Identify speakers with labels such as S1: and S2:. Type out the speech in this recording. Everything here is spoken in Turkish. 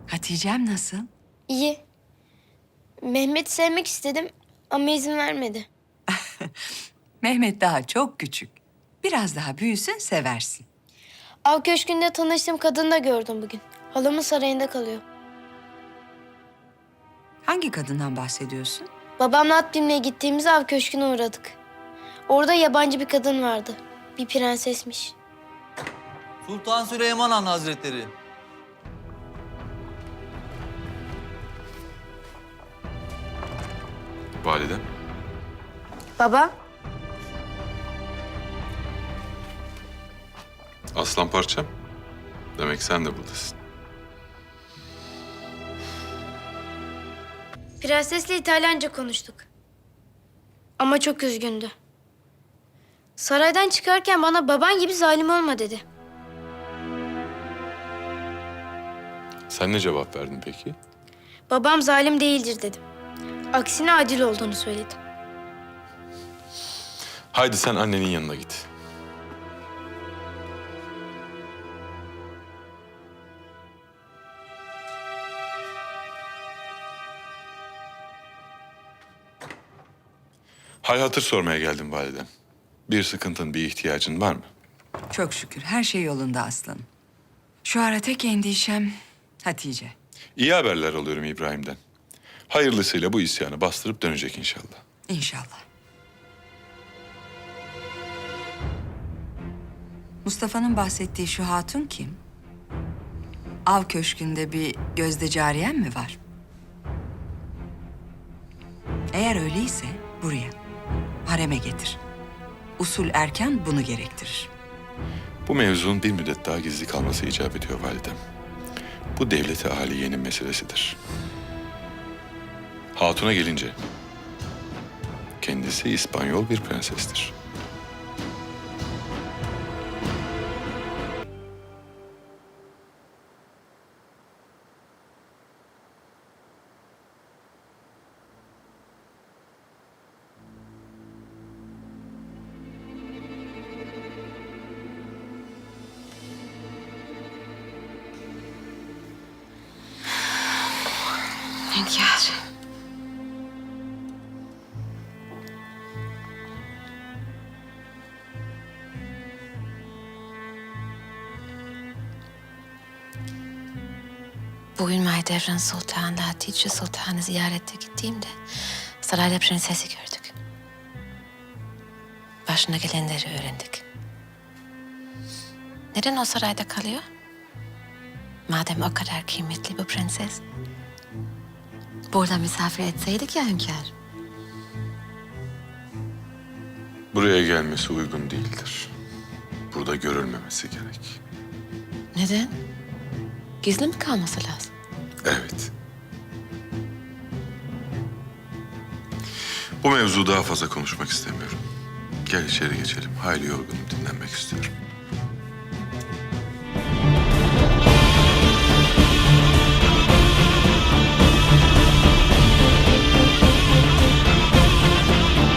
S1: Hatice'm nasıl?
S2: İyi. Mehmet'i sevmek istedim ama izin vermedi.
S1: Mehmet daha çok küçük. Biraz daha büyüsün seversin.
S2: Av köşkünde tanıştığım kadını da gördüm bugün. Halamın sarayında kalıyor.
S1: Hangi kadından bahsediyorsun?
S2: Babamla at binmeye gittiğimiz av köşküne uğradık. Orada yabancı bir kadın vardı. Bir prensesmiş.
S3: Sultan Süleyman Han Hazretleri.
S4: Validem.
S2: Baba,
S4: Aslan parçam. Demek sen de buradasın.
S2: prensesle İtalyanca konuştuk. Ama çok üzgündü. Saraydan çıkarken bana baban gibi zalim olma dedi.
S4: Sen ne cevap verdin peki?
S2: Babam zalim değildir dedim. Aksine adil olduğunu söyledim.
S4: Haydi sen annenin yanına git. Hal hatır sormaya geldim validem. Bir sıkıntın, bir ihtiyacın var mı?
S1: Çok şükür her şey yolunda aslanım. Şu ara tek endişem Hatice.
S4: İyi haberler alıyorum İbrahim'den. Hayırlısıyla bu isyanı bastırıp dönecek inşallah.
S1: İnşallah. Mustafa'nın bahsettiği şu hatun kim? Av köşkünde bir gözde cariyen mi var? Eğer öyleyse buraya, hareme getir. Usul erken bunu gerektirir.
S4: Bu mevzunun bir müddet daha gizli kalması icap ediyor validem. Bu devleti aliyenin meselesidir. Hatun'a gelince, kendisi İspanyol bir prensestir.
S1: Hünkâr.
S5: Bugün Mahidevran Sultan'la Hatice Sultan'ı ziyarete gittiğimde sarayda prensesi gördük. Başına gelenleri öğrendik. Neden o sarayda kalıyor? Madem o kadar kıymetli bu prenses. Burada misafir etseydik ya hünkâr.
S4: Buraya gelmesi uygun değildir. Burada görülmemesi gerek.
S5: Neden? Gizli mi kalması lazım?
S4: Evet. Bu mevzu daha fazla konuşmak istemiyorum. Gel içeri geçelim. Hayli yorgunum, dinlenmek istiyorum.